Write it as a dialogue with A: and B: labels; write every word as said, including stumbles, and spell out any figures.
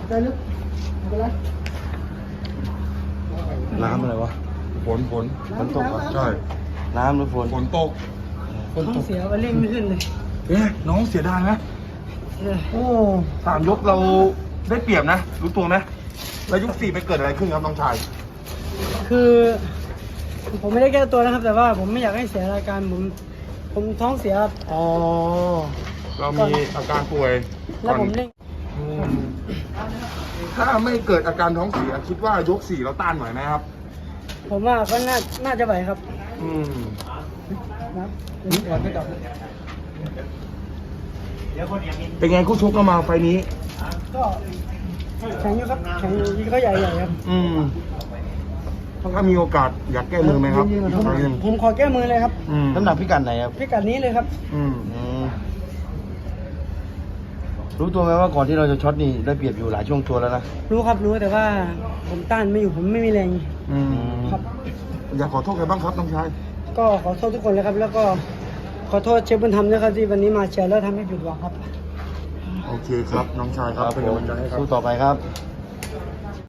A: ใจลึกไม่เป็นไร
B: น้ำอะไรวะ
C: ฝนฝน
B: ฝนตกเหรอ
C: ใช่
B: น้ำหรือฝน
C: ฝนตก
A: ท้องเสียไปเร่งไม่ขึ้นเลย
C: เอ๊ะน้องเสียดายไหม
A: เออ
C: โอ้สามยกเราได้เปรียบนะ รู้ตัวไหมแล้วยกสี่ไปเกิดอะไรขึ้นครับน้องชาย
A: คือ ผมไม่ได้แก้ตัวนะครับ แต่ว่าผมไม่อยากให้เสียรายการผมผมท้องเสียครับ
C: อ๋อ เรามีอาการป่วย
A: แล้วผมเร่ง
C: อืมถ้าไม่เกิดอาการท้องเสียคิดว่ายกสี่เราต้านไหวไหมครับ
A: ผมว่าก็น่าน่าจะไหวครับ
C: อืม
A: นะเดี๋ยวก่อนไปต่อ
C: เป็นไงคู่ชกก็มาไฟล์นี้
A: ก็แข็งอยู่ครับแข็งอยู่ก็ใหญ่ๆครับ
C: อืมถ้ามีโอกาสอยากแก้มือไหมครับ
A: ผม
C: อีกครั้งหนึ่ง
A: ผมขอแก้มือเลยครับ
C: อืม
B: น้ำหนักพิกัดไหนครับ
A: พิกัดนี้เลยครับ
C: อืม
B: อืมรู้ตัวไหมว่าก่อนที่เราจะช็อตนี่ได้เปรียบอยู่หลายช่วงตัวแล้วนะ
A: รู้ครับรู้แต่ว่าผมต้านไม่อยู่ผมไม่มีแรง
C: อืม
A: ครับ
C: อยากขอโทษใครบ้างครับน้องชาย
A: ก็ขอโทษทุกคนเลยครับ แล้วก็ขอโทษเชฟบุญธรรมด้วยครับที่วันนี้มาเชียร์แล้วทำให้ผิดหวังครับ
C: โอเคครับ น้องชายครับเป็นกำลังใจให้ครับ
B: สู้ต่อไปครับ